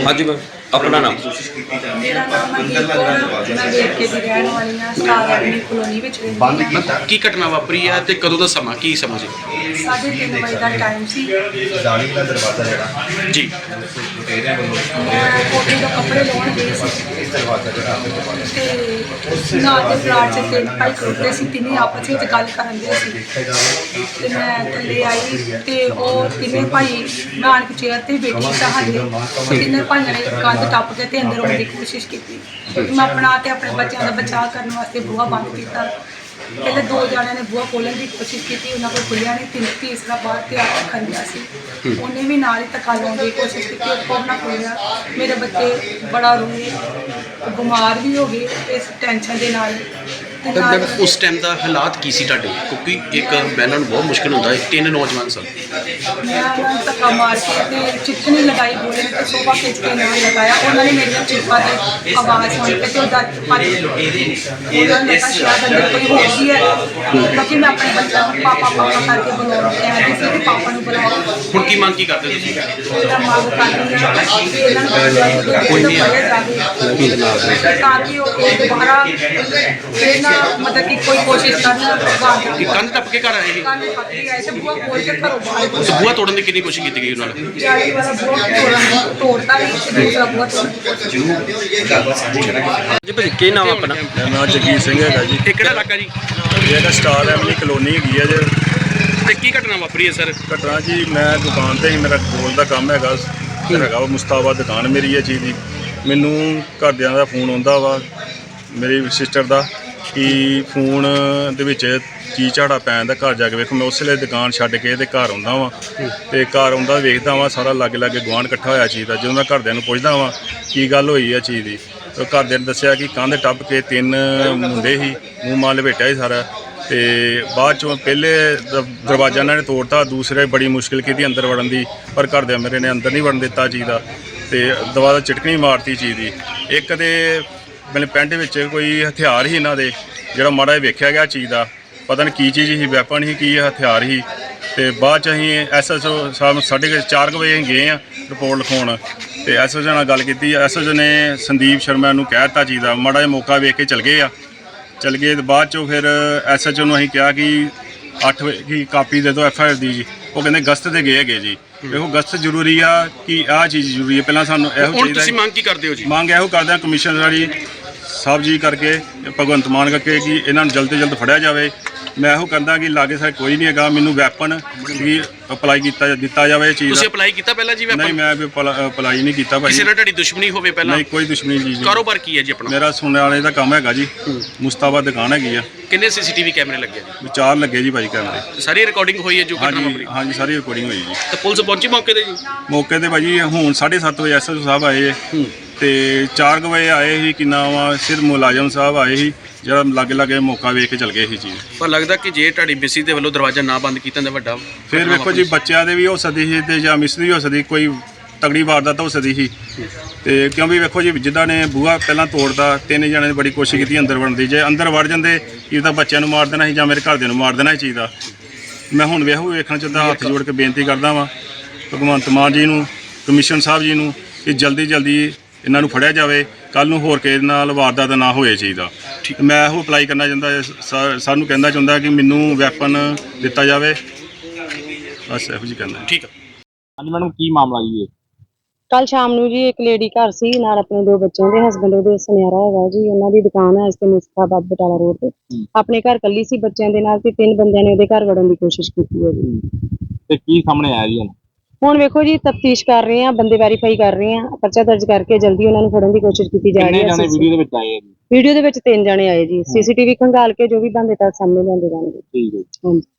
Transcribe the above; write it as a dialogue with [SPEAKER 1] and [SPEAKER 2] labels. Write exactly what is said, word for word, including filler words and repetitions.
[SPEAKER 1] हाँ जी मैम, अपना नाम।
[SPEAKER 2] मेरा नाम मनदीप कौर है। मैं वेरके ਦੀ ਰਹਿਣ ਵਾਲੀ ਹਾਂ। ਸਟਾਰ ਐਵਨਿਊ ਕਲੋਨੀ ਵਿੱਚ ਰਹਿੰਦੀ ਹਾਂ।
[SPEAKER 3] ਕੀ ਘਟਨਾ ਵਾਪਰੀ ਹੈ ਤੇ ਕਦੋਂ ਦਾ ਸਮਾਂ ਕੀ ਸਮਾਂ ਸੀ?
[SPEAKER 2] ਸਾਢੇ ਤਿੰਨ ਵਜੇ ਦਾ ਟਾਈਮ ਸੀ।
[SPEAKER 4] ਜਾਲੀ ਦਾ ਦਰਵਾਜ਼ਾ ਜਿਹੜਾ
[SPEAKER 3] ਜੀ
[SPEAKER 4] ਤੇਰੇ ਵੱਲੋਂ
[SPEAKER 2] ਮੈਂ ਕੋਠੇ ਤੋਂ ਕੱਪੜੇ ਲਾਉਣ ਗਈ ਸੀ
[SPEAKER 4] ਇਸ ਦਰਵਾਜ਼ਾ ਜਿਹੜਾ ਆਪਣੇ ਦਰਵਾਜ਼ਾ
[SPEAKER 2] ਤੇ ਨਾਲ ਦੇ ਪਲਾਟ 'ਚ ਤਿੰਨ ਭਾਈ ਖੜੋਤੇ ਸੀ। ਤਿੰਨੇ ਆਪਸ ਵਿੱਚ ਗੱਲ ਕਰਨ ਦੇ ਸੀ ਤੇ ਮੈਂ ਥੱਲੇ ਆਈ ਤੇ ਉਹ ਤਿੰਨੇ ਭਾਈ ਮੈਂ ਆਣ ਕੇ ਚੇਅਰ ਤੇ ਬੈਠੀ ਸਾਂ। ਹਾਲੇ ਤਿੰਨੇ ਭਾਈਆਂ ਨੇ ਕੰਧ ਟੱਪ ਕੇ ਤੇ ਅੰਦਰ ਆਉਣ ਦੀ ਕੋਸ਼ਿਸ਼ ਕੀਤੀ। ਮੈਂ ਆਪਣਾ ਤੇ ਆਪਣੇ ਬੱਚਿਆਂ ਦਾ ਬਚਾਅ ਕਰਨ ਵਾਸਤੇ ਬੂਹਾ ਬੰਦ ਕੀਤਾ। ਪਹਿਲੇ ਦੋ ਜਣਿਆਂ ਨੇ ਬੂਹਾ ਖੋਲ੍ਹਣ ਦੀ ਕੋਸ਼ਿਸ਼ ਕੀਤੀ, ਉਹਨਾਂ ਕੋਲ ਖੁੱਲਿਆ ਨਹੀਂ। ਤਿੰਨ ਤੀਸਰਾ ਬਾਹਰ ਤੇ ਆ ਕੇ ਖੰਡਿਆ ਸੀ। ਉਹਨੇ ਵੀ ਨਾਲ ਹੀ ਧੱਕਾ ਲਾਉਣ ਦੀ ਕੋਸ਼ਿਸ਼ ਕੀਤੀ, ਉਹ ਨਾ ਖੋਲ੍ਹਿਆ। ਮੇਰੇ ਬੱਚੇ ਬੜਾ ਰੋਏ, ਬਿਮਾਰ ਵੀ ਹੋ ਗਏ ਇਸ ਟੈਨਸ਼ਨ ਦੇ ਨਾਲ। ਤੇ
[SPEAKER 3] ਤਾਂ
[SPEAKER 2] ਨਾਲ
[SPEAKER 3] ਉਸ ਟਾਈਮ ਦਾ ਹਾਲਾਤ ਕੀ ਸੀ ਤੁਹਾਡੇ? ਕਿਉਂਕਿ ਇੱਕ ਬਹਿਨਾਂ ਨੂੰ ਬਹੁਤ ਮੁਸ਼ਕਿਲ ਹੁੰਦਾ ਹੈ, ਤਿੰਨ ਨੌਜਵਾਨ ਸਨ।
[SPEAKER 2] ਮੈਂ ਉਹਨਾਂ ਨੂੰ ਧੱਕਾ ਮਾਰ ਕੇ ਤੇ ਚਿੱਠਣੀ ਲਗਾਈ ਬੋਲੇ ਤੇ ਸੋਫਾ ਖਿੱਚ ਕੇ ਨਾਲ ਲਗਾਇਆ। ਉਹਨਾਂ ਨੇ ਮੇਰੀਆਂ ਚੀਕਾਂ ਤੇ ਆਵਾਜ਼ ਸੁਣ ਕੇ ਤੇ ਉਹ ਦੱਤ ਭੱਜ ਗਏ। ਉਹਨਾਂ ਨੇ ਕਿਹਾ ਸ਼ਾਇਦ ਅੰਦਰ ਕੋਈ ਹੋ ਗਈ ਹੈ, ਕਿਉਂਕਿ ਮੈਂ ਆਪਣੇ ਬੱਚਿਆਂ ਨੂੰ ਪਾਪਾ ਪਾਪਾ ਕਰਕੇ ਬੁਲਾਉਣ ਕਹਿੰਦੀ ਸੀ ਕਿ ਪਾਪਾ ਨੂੰ ਬੁਲਾਓ।
[SPEAKER 3] ਹੁਣ ਕੀ ਮੰਗ ਕੀ ਕਰਦੇ ਤੁਸੀਂ?
[SPEAKER 2] ਮੇਰਾ ਮੰਗ ਕਰਦੀ ਹਾਂ ਕਿ ਇਹਨਾਂ ਨੂੰ ਕੋਈ ਨਹੀਂ ਜਾਵੇ ਤਾਂ ਕਿ ਉਹ ਇਹ ਦੁਬਾਰਾ ਫਿਰ ਨਾ ਮਤਲਬ ਕਿ ਕੋਈ ਕੋਸ਼ਿਸ਼ ਕਰਨ ਭਗਵਾਨ
[SPEAKER 3] ਕਿ ਕੰਧ ਟੱਪ ਕੇ ਘਰ ਆਏ ਸੀ?
[SPEAKER 2] ਕੰਨ ਪੱਕੀ ਆਏ ਤੇ ਬੂਹਾ ਖੋਲ ਕੇ ਘਰੋਂ ਬਾਹਰ
[SPEAKER 3] ਉਸ ਬੂਹਾ ਤੋੜਨ ਦੀ ਕਿੰਨੀ ਕੋਸ਼ਿਸ਼ ਕੀਤੀ ਗਈ ਉਹਨਾਂ ਨੇ?
[SPEAKER 2] ਜਾਲੀ ਵਾਲਾ ਬੂਹਾ ਤੋੜਨ ਤੋੜਤਾ ਹੀ ਤੇ ਦੂਸਰਾ ਬੂਹਾ ਤੋੜ
[SPEAKER 1] जी भाजी की नाम अपना?
[SPEAKER 5] ਮੇਰਾ ਨਾਮ ਜਗੀਰ ਸਿੰਘ ਹੈਗਾ ਜੀ।
[SPEAKER 3] ਇਹ ਕਿਹੜਾ ਇਲਾਕਾ ਜੀ?
[SPEAKER 5] ਇਹ ਹੈਗਾ ਸਟਾਰ ਐਵਨਿਊ ਕਲੋਨੀ ਹੈਗੀ ਹੈ ਜੇ।
[SPEAKER 3] ਤੇ ਕੀ ਘਟਨਾ ਵਾਪਰੀ ਹੈ ਸਰ?
[SPEAKER 5] ਘਟਨਾ ਜੀ, ਮੈਂ ਦੁਕਾਨ ਤੇ ਹੀ, ਮੇਰਾ ਗੋਲ ਦਾ ਕੰਮ ਹੈਗਾ ਹੈਗਾ ਵਾ ਮੁਸਤਾਬਾਦ ਦੁਕਾਨ ਮੇਰੀ ਇਹ ਚੀਜ਼ ਦੀ। ਮੈਨੂੰ ਘਰਦਿਆਂ ਦਾ ਫੋਨ ਆਉਂਦਾ ਵਾ ਮੇਰੀ ਸਿਸਟਰ ਦਾ ਕਿ ਫੋਨ ਦੇ ਵਿੱਚ ਕੀ ਝਾੜਾ ਪੈਣ ਦਾ, ਘਰ ਜਾ ਕੇ ਵੇਖੋ। ਮੈਂ ਉਸ ਵੇਲੇ ਦੁਕਾਨ ਛੱਡ ਕੇ ਤੇ ਘਰ ਆਉਂਦਾ ਵਾਂ ਤੇ ਘਰ ਆਉਂਦਾ ਵੇਖਦਾ ਵਾਂ ਸਾਰਾ ਲਾਗੇ ਲਾਗੇ ਗੁਆਂਢ ਇਕੱਠਾ ਹੋਇਆ ਚੀਜ਼ ਦਾ। ਜਦੋਂ ਮੈਂ ਘਰਦਿਆਂ ਨੂੰ ਪੁੱਛਦਾ ਵਾਂ ਕੀ ਗੱਲ ਹੋਈ ਆ ਚੀਜ਼ ਦੀ, ਤਾਂ ਘਰਦਿਆਂ ਨੇ ਦੱਸਿਆ ਕਿ ਕੰਧ ਟੱਪ ਕੇ ਤਿੰਨ ਮੁੰਡੇ ਸੀ, ਮੂੰਹ ਮਾਂ ਲਪੇਟਿਆ ਸੀ ਸਾਰਾ। ਤੇ ਬਾਅਦ ਚੋਂ ਪਹਿਲੇ ਦ- ਦਰਵਾਜ਼ਾ ਇਹਨਾਂ ਨੇ ਤੋੜਤਾ, ਦੂਸਰੇ ਬੜੀ ਮੁਸ਼ਕਿਲ ਕੀਤੀ ਅੰਦਰ ਵੜਨ ਦੀ, ਪਰ ਘਰਦਿਆਂ ਮੇਰੇ ਨੇ ਅੰਦਰ ਨਹੀਂ ਵੜਨ ਦਿੱਤਾ ਚੀਜ਼ ਦਾ ਤੇ ਦਰਵਾਜ਼ਾ ਚਟਕਣੀ ਮਾਰਤੀ ਚੀਜ਼ ਦੀ। ਇੱਕ ਤੇ ਮੇਰੇ ਪੈਂਟ ਵਿੱਚ ਕੋਈ ਹਥਿਆਰ ਸੀ ਇਹਨਾਂ ਦੇ, ਜਿਹੜਾ ਮਾੜਾ ਜਿਹਾ ਵੇਖਿਆ ਗਿਆ ਚੀਜ਼ ਦਾ, ਪਤਾ ਨਹੀਂ ਕੀ ਚੀਜ਼ ਸੀ, ਵੈਪਨ ਸੀ ਕੀ ਹਥਿਆਰ ਸੀ। ਤੇ ਬਾਅਦ 'ਚ ਅਸੀਂ ਐਸ ਐਸ ਓ ਸਾਹਿਬ ਸਾਢੇ ਕੁ ਚਾਰ ਕੁ ਵਜੇ ਗਏ ਆ ਰਿਪੋਰਟ ਲਿਖਾਉਣ ਤੇ ਐਸ ਐਸ ਓ ਨਾਲ ਗੱਲ ਕੀਤੀ। ਐਸ ਐਸ ਓ ਨੇ ਸੰਦੀਪ ਸ਼ਰਮਾ ਨੂੰ ਕਹਿ ਦਿੱਤਾ ਚੀਜ਼ ਦਾ, ਮਾੜਾ ਜਿਹਾ ਮੌਕਾ ਵੇਖ ਕੇ ਚਲ ਗਏ ਆ ਚਲ ਗਏ ਤੇ ਬਾਅਦ 'ਚੋਂ ਫਿਰ ਐਸ ਐਚ ਓ ਨੂੰ ਅਸੀਂ ਕਿਹਾ ਕਿ ਅੱਠ ਵਜੇ ਕੀ ਕਾਪੀ ਦੇ ਦਿਓ ਐਫ ਆਈ ਆਰ ਦੀ ਜੀ। ਉਹ ਕਹਿੰਦੇ ਗਸਤ ਤੇ ਗਏ ਹੈਗੇ ਜੀ। ਦੇਖੋ ਗਸਤ ਜ਼ਰੂਰੀ ਆ ਕਿ ਆਹ ਚੀਜ਼ ਜ਼ਰੂਰੀ ਹੈ, ਪਹਿਲਾਂ ਸਾਨੂੰ ਇਹੋ
[SPEAKER 3] ਹੁਣ ਤੁਸੀਂ
[SPEAKER 5] ਚਾਹੀਦਾ
[SPEAKER 3] ਮੰਗ ਕੀ ਕਰਦੇ ਹੋ ਜੀ?
[SPEAKER 5] ਮੰਗ ਇਹੋ ਕਰਦੇ ਹਾਂ ਕਮਿਸ਼ਨਰ ਜੀ ਸਾਹਿਬ ਜੀ ਕਰਕੇ, ਭਗਵੰਤ ਮਾਨ ਕਰਕੇ, ਕਿ ਇਹਨਾਂ ਨੂੰ ਜਲਦ ਤੋਂ ਜਲਦ ਫੜਿਆ ਜਾਵੇ। ਮੈਂ ਇਹੋ ਕਹਿੰਦਾ ਕਿ ਲਾਗੇ ਸਾਡੇ ਕੋਈ ਨਹੀਂ ਹੈਗਾ, ਮੈਨੂੰ ਵੈਪਨ ਵੀ ਅਪਲਾਈ ਕੀਤਾ ਦਿੱਤਾ ਜਾਵੇ ਇਹ ਚੀਜ਼
[SPEAKER 3] ਤੁਸੀਂ
[SPEAKER 5] ਦਾ।
[SPEAKER 3] ਅਪਲਾਈ ਕੀਤਾ ਪਹਿਲਾਂ ਜੀ?
[SPEAKER 5] ਨਹੀਂ,
[SPEAKER 3] ਵੈਪਨ
[SPEAKER 5] ਮੈਂ ਵੀ ਅਪਲਾਈ ਨਹੀਂ ਕੀਤਾ ਭਾਈ।
[SPEAKER 3] ਕਿਸੇ ਨਾਲ ਤੁਹਾਡੀ ਦੁਸ਼ਮਣੀ ਹੋਵੇ ਪਹਿਲਾਂ?
[SPEAKER 5] ਨਹੀਂ, ਕੋਈ ਦੁਸ਼ਮਣੀ ਜੀ।
[SPEAKER 3] ਕਾਰੋਬਾਰ ਕੀ ਹੈ ਜੀ ਆਪਣਾ?
[SPEAKER 5] ਮੇਰਾ ਸੁਣਨ ਵਾਲੇ ਦਾ ਕੰਮ ਹੈਗਾ ਜੀ, ਮੁਸਤਾਬਾਦ ਦੁਕਾਨ ਹੈਗੀ ਆ।
[SPEAKER 3] ਕਿੰਨੇ ਸੀਸੀਟੀਵੀ ਕੈਮਰੇ ਲੱਗੇ ਜੀ?
[SPEAKER 5] ਚਾਰ ਲੱਗੇ ਜੀ ਭਾਈ ਕੈਮਰੇ।
[SPEAKER 3] ਸਾਰੀ ਰਿਕਾਰਡਿੰਗ ਹੋਈ ਹੈ ਜੋ ਘਟਨਾ
[SPEAKER 5] ਹਾਂਜੀ
[SPEAKER 3] ਵਾਪਰੀ?
[SPEAKER 5] ਹਾਂਜੀ, ਸਾਰੀ ਰਿਕਾਰਡਿੰਗ ਹੋਈ ਜੀ।
[SPEAKER 3] ਤਾਂ ਪੁਲਿਸ ਪਹੁੰਚੀ ਮੌਕੇ ਤੇ ਜੀ?
[SPEAKER 5] ਮੌਕੇ ਤੇ ਭਾਜੀ ਹੁਣ ਸਾਢੇ ਸੱਤ ਵਜੇ ਐਸ ਐਸ ਓ ਸਾਹਿਬ ਆਏ ਤੇ ਚਾਰ ਕੁ ਵਜੇ ਆਏ ਸੀ, ਕਿੰਨਾ ਵਾ ਸਿਰ ਮੁਲਾਜ਼ਮ ਸਾਹਿਬ ਆਏ ਸੀ, ਜਿਹੜਾ ਲਾਗੇ ਲਾਗੇ ਮੌਕਾ ਵੇਖ ਕੇ ਚਲ ਗਏ ਸੀ ਚੀਜ਼।
[SPEAKER 3] ਪਰ ਲੱਗਦਾ ਕਿ ਜੇ ਤੁਹਾਡੀ ਮਿਸੀ ਦੇ ਵੱਲੋਂ ਦਰਵਾਜ਼ਾ ਨਾ ਬੰਦ ਕੀਤਾ ਤਾਂ ਵੱਡਾ
[SPEAKER 5] ਫਿਰ
[SPEAKER 3] ਘਟਨਾ
[SPEAKER 5] ਵੇਖੋ ਜੀ, ਬੱਚਿਆਂ ਦੇ ਵੀ ਹੋ ਸਕਦੀ ਸੀ ਤੇ ਜਾਂ ਮਿਸ ਦੀ ਹੋ ਸਕਦੀ, ਕੋਈ ਤਗੜੀ ਵਾਰਦਾਤ ਹੋ ਸਕਦੀ ਸੀ। ਤੇ ਕਿਉਂਕਿ ਵੇਖੋ ਜੀ, ਜਿੱਦਾਂ ਨੇ ਬੂਹਾ ਪਹਿਲਾਂ ਤੋੜਦਾ, ਤਿੰਨ ਜਣਿਆਂ ਨੇ ਬੜੀ ਕੋਸ਼ਿਸ਼ ਕੀਤੀ ਅੰਦਰ ਵੜਨ ਦੀ। ਜੇ ਅੰਦਰ ਵੜ ਜਾਂਦੇ ਇਹ ਤਾਂ ਬੱਚਿਆਂ ਨੂੰ ਮਾਰ ਦੇਣਾ ਸੀ ਜਾਂ ਮੇਰੇ ਘਰਦਿਆਂ ਨੂੰ ਮਾਰ ਦੇਣਾ ਸੀ ਚੀਜ਼ ਦਾ। ਮੈਂ ਹੁਣ ਵੇਖੋ ਵੇਖਣਾ ਚਾਹੁੰਦਾ, ਹੱਥ ਜੋੜ ਕੇ ਬੇਨਤੀ ਕਰਦਾ ਵਾਂ ਭਗਵੰਤ ਮਾਨ ਜੀ ਨੂੰ, ਕਮਿਸ਼ਨ ਸਾਹਿਬ ਜੀ ਨੂੰ, ਕਿ ਜਲਦੀ ਜਲਦੀ ਇਹਨਾਂ ਨੂੰ ਫੜਿਆ ਜਾਵੇ, ਕੱਲ੍ਹ ਨੂੰ ਹੋਰ ਕਿਸੇ ਨਾਲ ਵਾਰਦਾਤ ਨਾ ਹੋਏ ਚੀਜ਼ ਦਾ। ਮੈਂ ਇਹੋ ਅਪਲਾਈ ਕਰਨਾ ਚਾਹੁੰਦਾ, ਸਾ- ਸਾਨੂੰ ਕਹਿੰਦਾ ਚਾਹੁੰਦਾ ਕਿ ਮੈਨੂੰ ਵੈਪਨ ਦਿੱਤਾ ਜਾਵੇ, ਬਸ ਇਹੋ ਜਿਹੀ ਕਹਿੰਦਾ।
[SPEAKER 3] ਠੀਕ ਹੈ।
[SPEAKER 1] ਹਾਂਜੀ मैडम की मामला जी?
[SPEAKER 6] ਕੱਲ ਸ਼ਾਮ ਨੂੰ ਜੀ ਇੱਕ ਲੇਡੀ ਘਰ ਸੀ ਨਾਲ ਆਪਣੇ ਦੋ ਬੱਚਿਆਂ ਦੇ, ਹਸਬੈਂਡ ਉਹਦੇ ਸੁਨਿਆਰਾ ਹੈਗਾ ਜੀ। ਉਹਨਾਂ ਦੀ ਦੁਕਾਨ ਹੈ ਇਸ ਤੇ ਮੁਸਤਾਬਾਦ ਬਟਾਲਾ ਰੋਡ ਤੇ। ਆਪਣੇ ਘਰ ਕੱਲੀ ਸੀ ਬੱਚਿਆਂ ਦੇ ਨਾਲ ਤੇ ਤਿੰਨ ਬੰਦਿਆਂ ਨੇ ਉਹਦੇ ਘਰ ਵੜਨ ਦੀ ਕੋਸ਼ਿਸ਼ ਕੀਤੀ ਹੈ ਜੀ।
[SPEAKER 1] ਤੇ ਕੀ ਸਾਹਮਣੇ ਆਇਆ ਜੀ ਹੁਣ?
[SPEAKER 6] ਹੁਣ ਵੇਖੋ ਜੀ, ਤਫਤੀਸ਼ ਕਰ ਰਹੇ ਆ, ਬੰਦੇ ਵੈਰੀਫਾਈ ਕਰ ਰਹੇ ਆ, ਪਰਚਾ ਦਰਜ ਕਰਕੇ ਜਲਦੀ ਉਹਨਾਂ ਨੂੰ ਫੜਨ ਦੀ ਕੋਸ਼ਿਸ਼ ਕੀਤੀ ਜਾ ਰਹੀ
[SPEAKER 1] ਕਿੰਨੇ ਜਾਣੇ
[SPEAKER 6] ਹੈ।
[SPEAKER 1] ਵੀਡੀਓ ਦੇ ਵਿੱਚ ਆਏ ਆ ਜੀ?
[SPEAKER 6] ਵੀਡੀਓ ਦੇ ਵਿੱਚ ਤਿੰਨ ਜਣੇ ਆਏ ਜੀ। ਸੀਸੀਟੀਵੀ ਖੰਗਾਲ ਕੇ ਜੋ ਵੀ ਬੰਦੇ ਤੱਕ ਸਾਹਮਣੇ ਲਿਆਂਦੇ ਜਾਣਗੇ।
[SPEAKER 1] ਠੀਕ ਹੈ।
[SPEAKER 6] ਹਾਂਜੀ।